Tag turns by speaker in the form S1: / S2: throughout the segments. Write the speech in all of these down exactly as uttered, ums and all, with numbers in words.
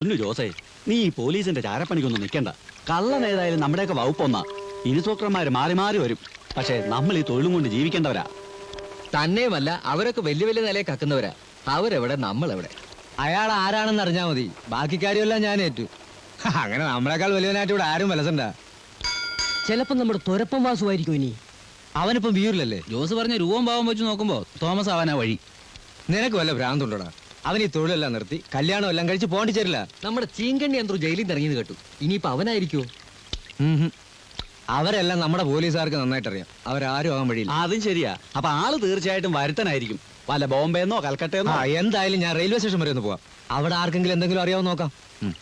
S1: പൊന്നു ജോസേ, നീ ഈ പോലീസിന്റെ ചാരപ്പണിക്കൊന്നും നിൽക്കണ്ട. കള്ളൻ ഏതായാലും നമ്മുടെയൊക്കെ വകുപ്പൊന്നാ. ഇൻസ്പെക്ടർമാര് മാറി മാറി വരും. പക്ഷെ നമ്മൾ ഈ തൊഴിലും കൊണ്ട് ജീവിക്കേണ്ടവരാ.
S2: തന്നെയുമല്ല, അവരൊക്കെ വലിയ വലിയ നിലയെ കക്കുന്നവരാ. അവരെവിടെ, നമ്മളെവിടെ?
S3: അയാൾ ആരാണെന്ന് അറിഞ്ഞാൽ മതി. ബാക്കി കാര്യമെല്ലാം ഞാൻ ഏറ്റു. അങ്ങനെ നമ്മളെക്കാൾ വലിയവനായിട്ട് ഇവിടെ ആരും വലസണ്ട.
S4: ചിലപ്പോ നമ്മുടെ തുരപ്പം വാസുമായിരിക്കും ഇനി.
S3: അവനിപ്പം വീറിലല്ലേ?
S2: ജോസ് പറഞ്ഞ രൂപം ഭാവം വെച്ച് നോക്കുമ്പോ തോമസ് ആവാനാ വഴി.
S3: നിനക്ക് വല്ല ഭ്രാന്തുണ്ടോടാ? അവൻ ഈ തൊഴിലെല്ലാം നിർത്തി കല്യാണം എല്ലാം കഴിച്ച് പോണ്ടിച്ചേരില്ല.
S2: നമ്മുടെ ചീങ്കണ്ണി എന്തോ ജയിലിൽ നിന്ന് ഇറങ്ങിയത് കേട്ടു. ഇനിയിപ്പോ അവനായിരിക്കുമോ?
S3: അവരെല്ലാം നമ്മുടെ പോലീസുകാർക്ക് നന്നായിട്ട് അറിയാം. അവരാരും ആകാൻ വഴിയില്ല.
S1: അതും ശരിയാ. അപ്പൊ ആള് തീർച്ചയായിട്ടും വരുത്തനായിരിക്കും. വല്ല ബോംബെന്നോ കൽക്കട്ടയെന്നോ.
S3: ആ, എന്തായാലും ഞാൻ റെയിൽവേ സ്റ്റേഷൻ വരെ ഒന്ന് പോവാം. അവിടെ ആർക്കെങ്കിലും എന്തെങ്കിലും അറിയാവോ നോക്കാം.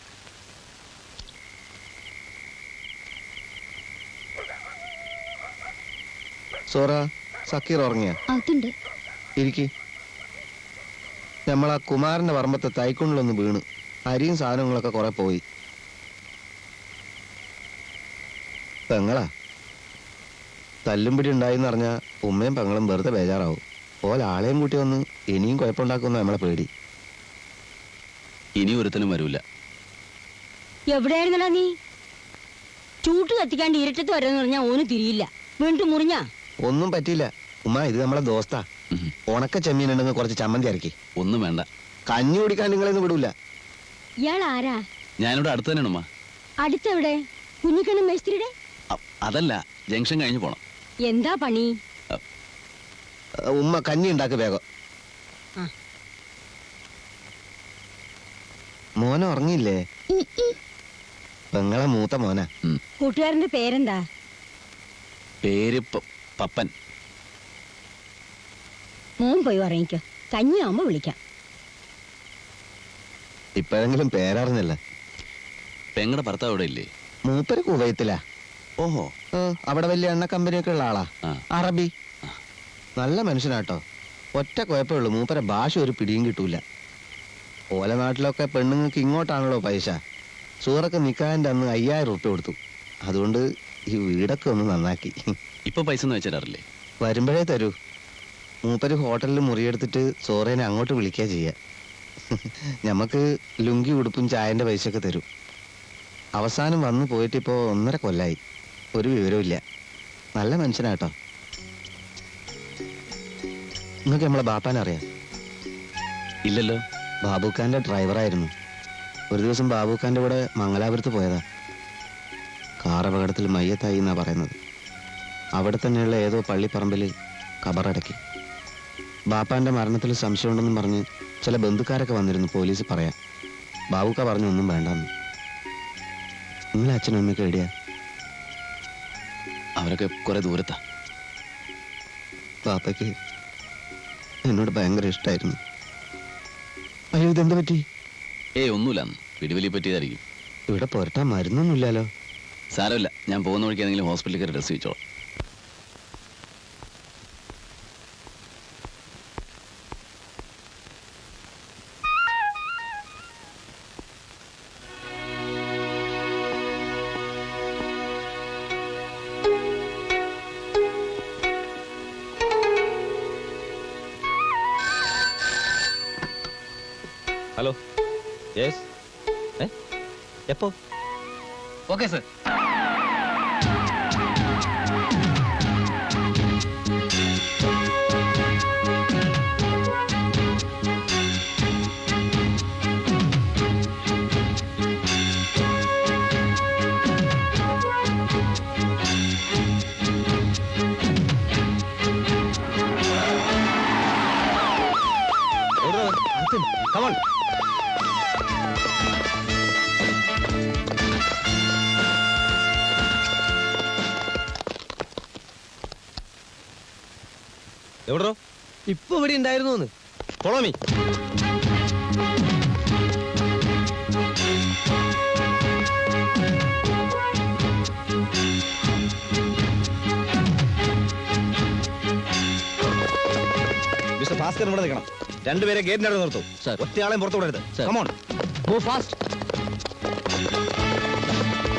S5: സോറ, സക്കീർ ഉറങ്ങിയ?
S6: അതുണ്ട്.
S5: ഇരിക്കി. നമ്മളാ കുമാരന്റെ പറമ്പത്തെ തൈക്കുണ്ടിലൊന്ന് വീണ് അരിയും സാധനങ്ങളൊക്കെ കുറെ പോയി. പെങ്ങളാ തല്ലുംപിടി ഉണ്ടായിന്ന് പറഞ്ഞാൽ ഉമ്മയും പെങ്ങളും വെറുതെ ബേജാറാവും. ഓല ആളെയും കൂട്ടി വന്ന് ഇനിയും കുഴപ്പമുണ്ടാക്കുന്ന നമ്മളെ പേടി.
S1: ഇനി ഒരുത്തനും വരൂല.
S6: എവിടെയായിരുന്നടാ നീ? ചൂട്ട് കത്തിക്കാണ്ട് ഇരട്ടത്ത് വരെന്ന് പറഞ്ഞാ ഓന് തിരിയില്ല. വീണ്ടും മുറിഞ്ഞ
S5: ഒന്നും പറ്റിയില്ല ഉമ്മ. ഇത് നമ്മളെ ദോസ്താ. ഉണക്ക ചെമ്മീൻ ഉണ്ടെന്ന് കുറച്ച് ചമ്മന്തി ഇറക്കി.
S1: ഒന്നും വേണ്ട.
S5: കഞ്ഞി കുടിക്കാൻ നിങ്ങളെന്ന് വിടൂല.
S6: ഇയാൾ ആരാ?
S1: ഞാനിവിടെ അടുത്ത് തന്നെയാണ് ഉമ്മ.
S6: അടുത്തെവിടെ? കുഞ്ഞിക്കണ്ണൻ മേസ്ത്രിയുടെ?
S1: അതല്ല, ജംഗ്ഷൻ കഴിഞ്ഞു പോണം.
S6: എന്താ പണി?
S5: ഉമ്മ കഞ്ഞി ഉണ്ടാക്ക് വേഗം. മോനെ ഉറങ്ങിയില്ലേ? പെങ്ങളെ മൂത്ത മോന.
S6: കൂട്ടുകാരന്റെ പേരെന്താ?
S1: പേര് പപ്പൻ.
S6: മോൻ പോയി ഉറങ്ങിക്കോ. കഞ്ഞിയാവുമ്പോ വിളിക്കാം.
S5: ഇപ്പോഴെങ്കിലും പേരറിഞ്ഞല്ല.
S1: പെങ്ങളുടെ ഭർത്താവ് ഇവിടെ ഇല്ലേ?
S5: മൂപ്പര് കുവൈത്തിലാ.
S1: ഓഹോ.
S5: അവിടെ വലിയ എണ്ണ കമ്പനിയൊക്കെ ഉള്ള ആളാ. അറബി. നല്ല മനുഷ്യനാട്ടോ. ഒറ്റ കുഴപ്പമുള്ളൂ, മൂപ്പരെ ഭാഷ ഒരു പിടിയും കിട്ടൂല. ഓല നാട്ടിലൊക്കെ പെണ്ണുങ്ങൾക്ക് ഇങ്ങോട്ടാണല്ലോ പൈസ. സൂറൊക്കെ നിക്കാൻ്റെ അന്ന് അയ്യായിരം ഉറുപ്പ്യ കൊടുത്തു. അതുകൊണ്ട് ഈ വീടൊക്കെ ഒന്ന് നന്നാക്കി.
S1: ഇപ്പൊ പൈസ ഒന്നും വെച്ചിടാറില്ലേ?
S5: വരുമ്പോഴേ തരൂ. മൂപ്പര് ഹോട്ടലിൽ മുറിയെടുത്തിട്ട് സോറേനെ അങ്ങോട്ട് വിളിക്കുക ചെയ്യുക. ഞമ്മക്ക് ലുങ്കി ഉടുപ്പും ചായന്റെ പൈസയൊക്കെ തരും. അവസാനം വന്നു പോയിട്ടിപ്പോ ഒന്നര കൊല്ലായി. ഒരു വിവരമില്ല. നല്ല മനുഷ്യനാട്ടോ. നിങ്ങൾക്ക് നമ്മളെ ബാപ്പാനറിയാം?
S1: ഇല്ലല്ലോ.
S5: ബാബുഖാന്റെ ഡ്രൈവറായിരുന്നു. ഒരു ദിവസം ബാബുഖാന്റെ കൂടെ മംഗലാപുരത്ത് പോയതാ. കാർ അപകടത്തിൽ മയ്യത്തായി എന്നാ പറയുന്നത്. അവിടെ തന്നെയുള്ള ഏതോ പള്ളിപ്പറമ്പിൽ കബറടക്കി. ബാപ്പാന്റെ മരണത്തിൽ സംശയമുണ്ടെന്നും പറഞ്ഞ് ചില ബന്ധുക്കാരൊക്കെ വന്നിരുന്നു പോലീസ് പറയാൻ. ബാബുക്ക പറഞ്ഞു ഒന്നും വേണ്ടെന്ന്. നിങ്ങളെ അച്ഛനും അമ്മയൊക്കെ എവിടെയാ?
S1: അവരൊക്കെ കുറെ ദൂരത്താ.
S5: ബാപ്പയ്ക്ക് എന്നോട് ഭയങ്കര ഇഷ്ടമായിരുന്നു. അയ്യോ, ഇതെന്താ പറ്റി?
S1: ഏയ് ഒന്നുമില്ല, പിടിവലി പറ്റിയതായിരിക്കും.
S5: ഇവിടെ പുരട്ടാൻ മരുന്നൊന്നുമില്ലല്ലോ.
S1: സാരമില്ല, ഞാൻ പോകുന്ന വഴിക്ക് ഏതെങ്കിലും ഹോസ്പിറ്റലിൽ കയറി ഡ്രസ് വെച്ചോളാം.
S3: ഹലോ. യെസ്. എപ്പോ?
S2: Okay sir.
S3: Come on. എവിടോ?
S4: ഇപ്പൊ ഇവിടെ ഉണ്ടായിരുന്നു.
S3: കൊളോമി. മിസ്റ്റർ ഭാസ്കർ ഇവിടെ നിൽക്കണം. രണ്ടുപേരെ ഗേറ്റിനടുത്ത് നിർത്തും. ഒറ്റയാളെയും പുറത്തു വിടരുത്. Come on.
S4: Go fast.